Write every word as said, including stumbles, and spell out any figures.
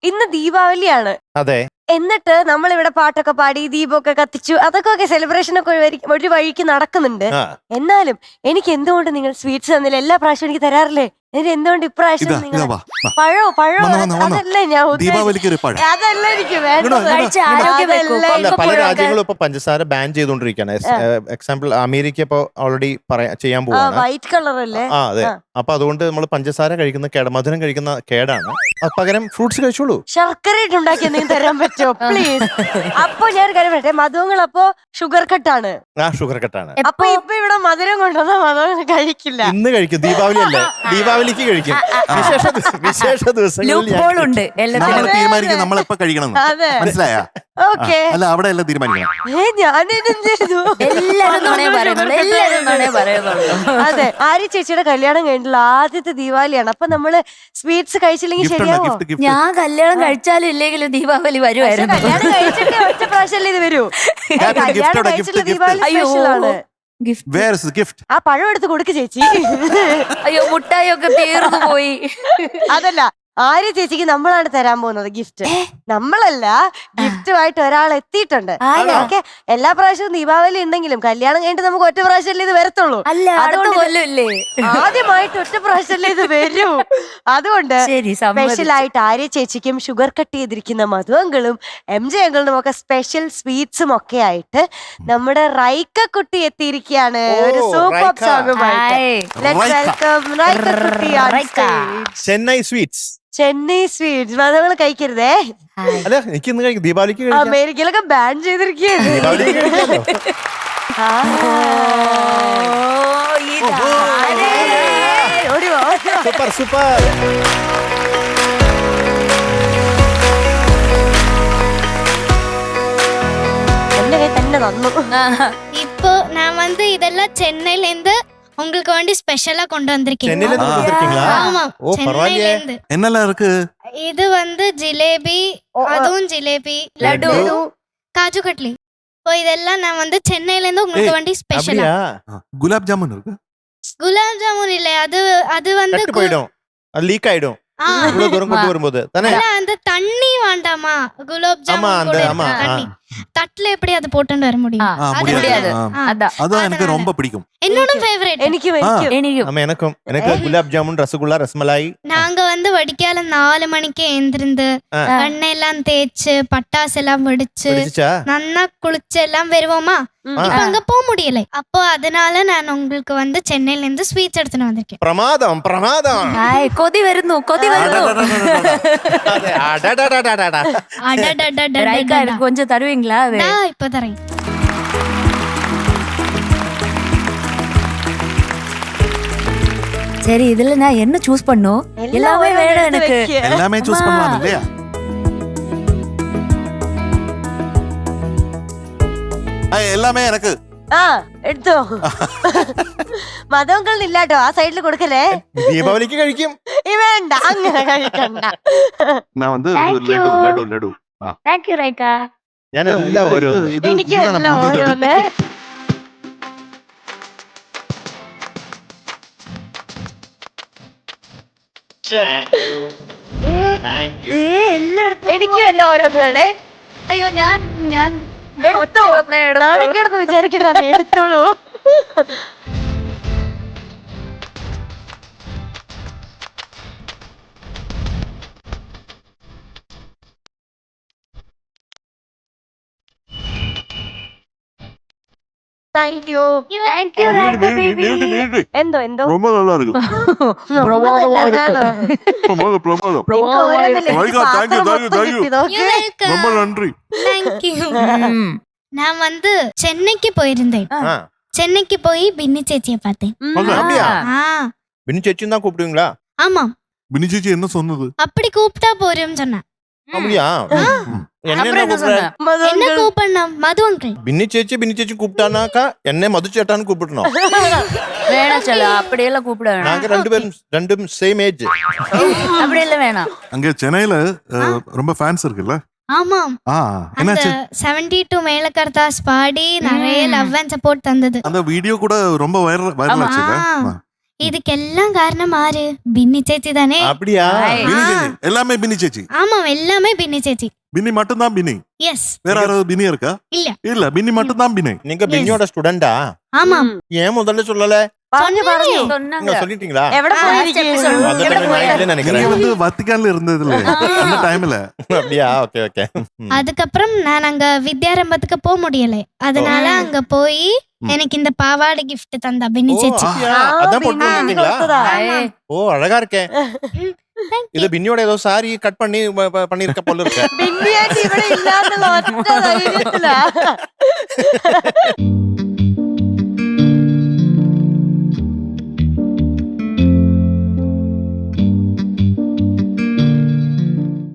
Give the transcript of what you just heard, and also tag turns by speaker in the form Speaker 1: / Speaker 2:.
Speaker 1: ഇന്ന് ദീപാവലിയാണ്.
Speaker 2: അതെ.
Speaker 1: എന്നിട്ട് നമ്മളിവിടെ പാട്ടൊക്കെ പാടി ദീപമൊക്കെ കത്തിച്ചു. അതൊക്കെ സെലിബ്രേഷൻ ഒക്കെ ഒരു വരി- ഒരു വഴിക്ക് നടക്കുന്നുണ്ട്.
Speaker 2: ആ.
Speaker 1: എന്നാലും എനിക്ക് എന്തുകൊണ്ട് നിങ്ങൾ സ്വീറ്റ്സ് തന്നില്ല? എല്ലാ പ്രാവശ്യവും എനിക്ക് തരാറില്ലേ? എന്നിട്ട് എന്തുകൊണ്ട് ഇപ്രാവശ്യം
Speaker 3: ഇതാ
Speaker 1: നിങ്ങൾ
Speaker 3: ഇതാ വാ വാ.
Speaker 1: പഴോ പഴോ
Speaker 3: വന്നോ, വന്നോ, വന്നോ.
Speaker 1: അതല്ലേ ഞാൻ ഉദ്ദേശിച്ചത്.
Speaker 3: ദീപാവലിക്ക് ഒരു പഴം.
Speaker 1: അതല്ല എനിക്ക് വേണ്ടത്.
Speaker 3: ഇങ്ങട് വാ,
Speaker 4: കഴിച്ച് ആരോഗ്യം വെക്കൂ.
Speaker 1: അതല്ല
Speaker 2: അല്ല,
Speaker 4: ഇപ്പൊ
Speaker 2: പല
Speaker 4: പുഴയൊക്കെ-
Speaker 2: രാജ്യങ്ങളും ഇപ്പൊ പഞ്ചസാര ബാൻ ചെയ്തുകൊണ്ടിരിക്കുകയാണ്. എക്സാമ്പിൾ അമേരിക്ക ഇപ്പൊ ഓൾറെഡി ചെയ്യാൻ
Speaker 1: ആ
Speaker 2: പോവാണ്.
Speaker 1: വൈറ്റ് കളർ അല്ലേ?
Speaker 2: ആ അതെ.
Speaker 1: ആ.
Speaker 2: അപ്പൊ അതുകൊണ്ട് നമ്മൾ പഞ്ചസാര കഴിക്കുന്ന കേട മധുരം കഴിക്കുന്ന കേടാണ്. അത് പകരം ഫ്രൂട്ട്സ് കഴിച്ചോളൂ.
Speaker 1: ശർക്കര ഇട്ടുണ്ടാക്കി എന്തെങ്കിലും തരാൻ പറ്റുമോ പ്ലീസ്? അപ്പൊ ഞാൻ ഒരു കാര്യം പറയട്ടെ, മധുവങ്ങൾ അപ്പൊ ഷുഗർ കട്ടാണ്.
Speaker 2: ആ ഷുഗർ കട്ടാണ്.
Speaker 1: അപ്പൊ ഇപ്പൊ ഇവിടെ മധുരം കൊണ്ടുവന്ന മധുവങ്ങൾ കഴിക്കില്ല.
Speaker 2: ഇന്ന് കഴിക്കും. ദീപാവലി അല്ലേ, ദീപാവലിക്ക് കഴിക്കും. വിശേഷ ദിവ- വിശേഷ ദിവസങ്ങളിൽ ഞാൻ
Speaker 4: ലൂപ്പ് ഹോൾ ഉണ്ട്
Speaker 3: നമ്മൾ
Speaker 4: എല്ലാത്തിനും.
Speaker 3: തീരുമാനിക്കും നമ്മൾ എപ്പോ കഴിക്കണം
Speaker 1: അതെ.
Speaker 3: മനസ്സിലായ?
Speaker 1: ഓക്കെ.
Speaker 3: അല്ല അവിടെ എല്ലാം തീരുമാനിക്കണം.
Speaker 1: ഏ ഞാനെന്ത് ചെയ്തു?
Speaker 4: എല്ലാരും നുണേ പറയുന്നുള്ളൂ, എല്ലാരും നുണേ പറയുന്നുള്ളൂ.
Speaker 1: അതെ, ആര്യ ചേച്ചിയുടെ കല്യാണം കഴിഞ്ഞിട്ടുള്ള ആദ്യത്തെ ദീപാവലിയാണ്. അപ്പൊ നമ്മള് സ്വീറ്റ്സ് കഴിച്ചില്ലെങ്കിൽ
Speaker 3: ഗിഫ്റ്റ് ഉണ്ടോ?
Speaker 1: ശരിയാവോ?
Speaker 3: ഗിഫ്റ്റ് ഗിഫ്റ്റ്
Speaker 4: ഞാൻ കല്യാണം കഴിച്ചാലും ഇല്ലെങ്കിലും ദീപാവലി
Speaker 1: പക്ഷെ
Speaker 4: വരുമായിരുന്നു.
Speaker 1: കല്യാണം കഴിച്ചിട്ട് ഒറ്റ പ്രാവശ്യമല്ലേ ഇത് വരൂ? ഏ,
Speaker 3: gift
Speaker 1: കല്യാണം
Speaker 3: എവിടെ?
Speaker 1: കഴിച്ചിട്ടുള്ള
Speaker 3: gift, gift.
Speaker 1: ദീപാവലി
Speaker 4: അയ്യോ.
Speaker 1: സ്പെഷ്യൽ ആണ്.
Speaker 4: ഗിഫ്റ്റ്.
Speaker 3: Where is gift?
Speaker 1: ആ പഴം എടുത്ത് കൊടുക്ക് ചേച്ചി.
Speaker 4: അയ്യോ മുട്ടായി ഒക്കെ തീർന്നു പോയി.
Speaker 1: അതല്ല, ആര്യ ചേച്ചിക്ക് നമ്മളാണ് തരാൻ പോകുന്നത് ഗിഫ്റ്റ്. നമ്മളല്ല, ഗിഫ്റ്റുമായിട്ട് ഒരാൾ എത്തിയിട്ടുണ്ട്.
Speaker 4: ആരാ?
Speaker 1: ഓക്കെ, എല്ലാ പ്രാവശ്യവും ദീപാവലി ഉണ്ടെങ്കിലും കല്യാണം കഴിഞ്ഞിട്ട് നമുക്ക് ഒറ്റ പ്രാവശ്യമല്ലേ ഇത് വരത്തുള്ളൂ.
Speaker 4: അല്ല അടുത്ത
Speaker 1: അതുകൊണ്ട് ഇത്
Speaker 4: കൊല്ലമില്ലേ?
Speaker 1: ആദ്യമായിട്ട് ഒറ്റ പ്രാവശ്യമല്ലേ ഇത് വരൂ. അതുകൊണ്ട്
Speaker 4: ശരി,
Speaker 1: സ്പെഷ്യൽ ആയിട്ട് ആര്യ ചേച്ചിക്കും ഷുഗർ കട്ട് ചെയ്തിരിക്കുന്ന മധുവങ്കളും എം ജെ അങ്കിളിനും ഒക്കെ സ്പെഷ്യൽ സ്വീറ്റ്സും ഒക്കെ ആയിട്ട് നമ്മുടെ റൈക്ക കുട്ടി എത്തിയിരിക്കുകയാണ്
Speaker 2: ഓ,
Speaker 1: ഒരു സൂപ്പർ
Speaker 2: റൈക്ക.
Speaker 1: സോങ്ങുമായിട്ട്.
Speaker 4: Hi.
Speaker 1: Let's
Speaker 3: Raika.
Speaker 1: welcome Raika കുട്ടി on
Speaker 4: Raika.
Speaker 1: stage.
Speaker 2: Chennai sweets.
Speaker 1: Chennai sweets മധുവങ്ങൾ കഴിക്കരുതേ.
Speaker 4: ഹായ്.
Speaker 2: അല്ല, എനിക്ക് ഇന്ന് കഴിക്കും. ദീപാവലിക്ക് കഴിക്കാം.
Speaker 1: അമേരിക്കയിലൊക്കെ ബാൻ ചെയ്തിരിക്കുകയാണ്.
Speaker 2: ദീപാവലിക്ക് കഴിക്കാമല്ലോ.
Speaker 1: ആ.
Speaker 4: ഓ, ഇതാരേ?
Speaker 1: ഓടി വാ, ഓടി വാ.
Speaker 2: Super super.
Speaker 1: എന്റെ കൈ തന്നെ തന്നു.
Speaker 4: ஆஹா.
Speaker 5: இப்போ நான் வந்து இதெல்லாம் சென்னையில இருந்து உங்களுக்கு வேண்டி ஸ்பெஷலா கொண்டு வந்திருக்கேன்.
Speaker 2: ചെന്നൈയിல
Speaker 3: ആ.
Speaker 2: വന്നിരിക്കீங்களா?
Speaker 5: ஆமா,
Speaker 2: ഓ
Speaker 5: சென்னையில
Speaker 2: പരവായില്ലേ.
Speaker 5: இருந்து.
Speaker 3: എന്നല്ല ഇருக்கு?
Speaker 5: இது வந்து ஜிலேபி,
Speaker 1: ஓ, ஓ.
Speaker 5: அதுவும் ஜிலேபி,
Speaker 4: லட்டு.
Speaker 5: லட்டு, காஜு கட்லி. இப்போ இதெல்லாம் நான் வந்து சென்னையில இருந்து உங்களுக்கு
Speaker 3: ஏய்,
Speaker 5: வேண்டி ஸ்பெஷலா.
Speaker 2: அப்படியா?
Speaker 3: ഗുലാബ് ജാമുൻ ഇருக்கு?
Speaker 5: குலாப் ஜாமுன் இல்ல, அது அது வந்து
Speaker 2: கட்டு
Speaker 5: கு-
Speaker 2: போயிடும். அது லீக் ஆயிடும்.
Speaker 5: ஆ,
Speaker 2: இவ்வளவு தூரம் கொண்டு வரும்போது தானே.
Speaker 5: இல்ல, அந்த தண்ணி வேண்டாமா? குலாப்
Speaker 2: ஆமா,
Speaker 5: ஜாமுன்
Speaker 2: அந்த
Speaker 5: கூட
Speaker 2: ஆமா.
Speaker 5: இருக்கு
Speaker 2: ஆ.
Speaker 5: தண்ணி. தட்டுல எப்படி அது போட்டுட்டு வர முடியும்?
Speaker 4: ஆ,
Speaker 3: ആ
Speaker 5: அது
Speaker 3: മുടിയാതെ.
Speaker 4: முடியாது.
Speaker 3: ആ.
Speaker 5: ஆ.
Speaker 4: அதான்
Speaker 3: അതാ എനിക്ക്
Speaker 5: அதனால.
Speaker 3: ரொம்ப പിടിക്കും.
Speaker 5: என்னோட ஃபேவரட்.
Speaker 1: എനിക്കും എനിക്കും
Speaker 4: എനിക്കും.
Speaker 2: ஆமா எனக்கும். எனக்கு குலாப் ஜாமுன், ரசகுல்லா, ரசமலாய்.
Speaker 5: நாங்க வந்து வடிக்கால நாலு மணிக்கு எழுந்திருந்து
Speaker 2: ஆ.
Speaker 5: எண்ணெய் எல்லாம் தேய்ச்சு பட்டாசு எல்லாம் வெடிச்சு
Speaker 2: பிடிச்சா?
Speaker 5: நன்னா குளிச்சு எல்லாம் வருவோமா.
Speaker 1: ம்.
Speaker 5: இப்ப அங்க போக முடியல. அப்போ அதனால நான் உங்களுக்கு வந்து சென்னையில இருந்து ஸ்வீட்ஸ் எடுத்துட்டு வந்திருக்கேன்.
Speaker 2: பிரமாதம் பிரமாதம்.
Speaker 4: ഹായ്, കൊതി വരുന്നു, കൊതി വരുന്നു.
Speaker 2: അതെ, അടടടടടട.
Speaker 5: அடடடடடடடா.
Speaker 4: ரைக்கா, எனக்கு கொஞ்சம் தருவீங்களா அது?
Speaker 5: டா, இப்ப தரேன்.
Speaker 4: சரி, இதுல நான் என்ன சூஸ் பண்ணும்? எல்லாமே வேணும் எனக்கு.
Speaker 3: എല്ലാമേ ചൂസ് பண்ணலாம் இல்லையா? ആ, എല്ലാമേ എനക്ക്.
Speaker 1: ആ എടുത്തോ. മധുവങ്കളിന് ഇല്ലാട്ടോ, ആ സൈഡിൽ കൊടുക്കലേ.
Speaker 2: ദീപാവലിക്ക് കഴിക്കും.
Speaker 1: ഈ വേണ്ട, അങ്ങനെ കഴിക്കണ്ട.
Speaker 3: நான் வந்து
Speaker 4: Thank you.
Speaker 3: Laddu laddu laddu.
Speaker 4: Thank you, ரைக்கா.
Speaker 2: ഞാൻ എല്ലാം ഒരു
Speaker 3: ഇത്
Speaker 1: എനിക്ക്
Speaker 3: ഇതാണ്
Speaker 1: എല്ലാം
Speaker 3: പുതിയത്.
Speaker 1: ഓരോന്ന്. എനിക്കും എല്ലാം ഓരോന്നാണ്.
Speaker 4: അയ്യോ, ഞാൻ ഞാൻ
Speaker 1: എടുത്തോ, നാളെ വിചാരിക്കണ്ട, നീ എടുത്തോളൂ. Thank you.
Speaker 4: Thank you, Raika baby.
Speaker 1: എന്തോ എന്തോ
Speaker 3: ரொம்ப நல்லா இருக்கு. பிரமாதம் பிரமாதம். ரைக்கா, thank you, thank you, thank you.
Speaker 5: You welcome.
Speaker 3: ரொம்ப நன்றி.
Speaker 5: Thank you.
Speaker 4: ம்.
Speaker 5: நான் வந்து சென்னைக்கு போயிருந்தேன்.
Speaker 2: ஆ.
Speaker 5: சென்னைக்கு போய் பின்னி சேச்சியை பார்த்தேன்.
Speaker 2: ஓகே, அப்படியா?
Speaker 5: ஆ,
Speaker 2: பின்னு சேச்சின்னு தான் கூப்பிடுவீங்களா?
Speaker 5: ஆமா,
Speaker 3: ബിനി ചേച്ചി എന്നെ சொன்னது?
Speaker 5: அப்படி கூப்பிட்டா போறோம்னு சொன்னேன்.
Speaker 2: அப்படியா? என்ன
Speaker 4: அப்புறம் என்ன
Speaker 2: கூப்பிடுற?
Speaker 4: சொன்ன?
Speaker 5: என்ன கூப்பிடணும்? மது அங்கிள்.
Speaker 2: பின்னி சேச்சி பின்னி சேச்சி கூப்பிட்டானாக்கா என்னை மது சேட்டான்னு கூப்பிடணும்.
Speaker 4: வேணாம் சொல்ல, அப்படியெல்லாம் கூப்பிட வேணாம்.
Speaker 2: நாங்க ரெண்டு பேரும் ரெண்டும் சேம் ஏஜ்.
Speaker 4: அப்படியெல்லாம் வேணாம்.
Speaker 3: அங்க சென்னையில அஹ், ரொம்ப ஃபேன்ஸ் இருக்குல்ல?
Speaker 5: ஆமாம்,
Speaker 3: ஆ,
Speaker 5: அந்த
Speaker 3: என்னாச்சு?
Speaker 5: செவன்டி டூ மேலக்கர்த்தாஸ் பாடி நிறைய
Speaker 4: ம்.
Speaker 5: லவ் அண்ட் சப்போர்ட் தந்தது.
Speaker 3: அந்த வீடியோ கூட ரொம்ப வைரல் வைரல்
Speaker 4: ஆமா.
Speaker 3: ஆச்சுல்ல?
Speaker 5: ஆ.
Speaker 3: ஆ.
Speaker 5: இதுக்கெல்லாம் காரணம் ஆறு பின்னி சேச்சி தானே.
Speaker 2: அப்படியா?
Speaker 3: பின்னி சேச்சி எல்லாமே பின்னி சேச்சி.
Speaker 5: ஆமாம், எல்லாமே பின்னி சேச்சி.
Speaker 3: பின்னி மட்டும் தான் பின்னி.
Speaker 5: எஸ்.
Speaker 3: வேற யாராவது பின்னி இருக்கா?
Speaker 5: இல்ல
Speaker 3: இல்ல, பின்னி மட்டும் தான் பின்னி.
Speaker 2: நீங்க பின்னியோட ஸ்டூடெண்டா?
Speaker 5: ஆமாம்.
Speaker 2: ஏன் முதல்ல சொல்லல?
Speaker 1: പറഞ്ഞു പറഞ്ഞു
Speaker 2: நீங்க சொல்லிட்டீங்களா?
Speaker 1: എവിടെ പോയിരിക്കുന്നു?
Speaker 2: அந்த
Speaker 1: എവിടെ
Speaker 2: time
Speaker 1: പോയി?
Speaker 2: நான் இல்லைன்னு
Speaker 3: நீங்க
Speaker 2: நினைக்கிறேன்.
Speaker 3: வந்து வத்திக்கான்ல இருந்ததுல அந்த டைம்ல.
Speaker 2: அப்படியா? Okay okay.
Speaker 5: அதுக்கப்புறம் நான் அங்க வித்யாரம்பத்துக்கு போக முடியல. அதனால அங்க போய் எனக்கு இந்த பாவாடை gift தந்தா பின்னி சேச்சி.
Speaker 2: அதான் போட்டு வந்தீங்களா?
Speaker 1: കൊടുത്തതാ.
Speaker 2: ஓ, அழகா இருக்கே. இது பின்னியோட ஏதோ சாரி கட் பண்ணி ப- ப- பண்ணிருக்க போல இருக்கு.
Speaker 1: ബിന്നിയായിട്ട് ഇവിടെ ഇല്ലാന്നുള്ള ഒറ്റ ധൈര്യത്തിലാ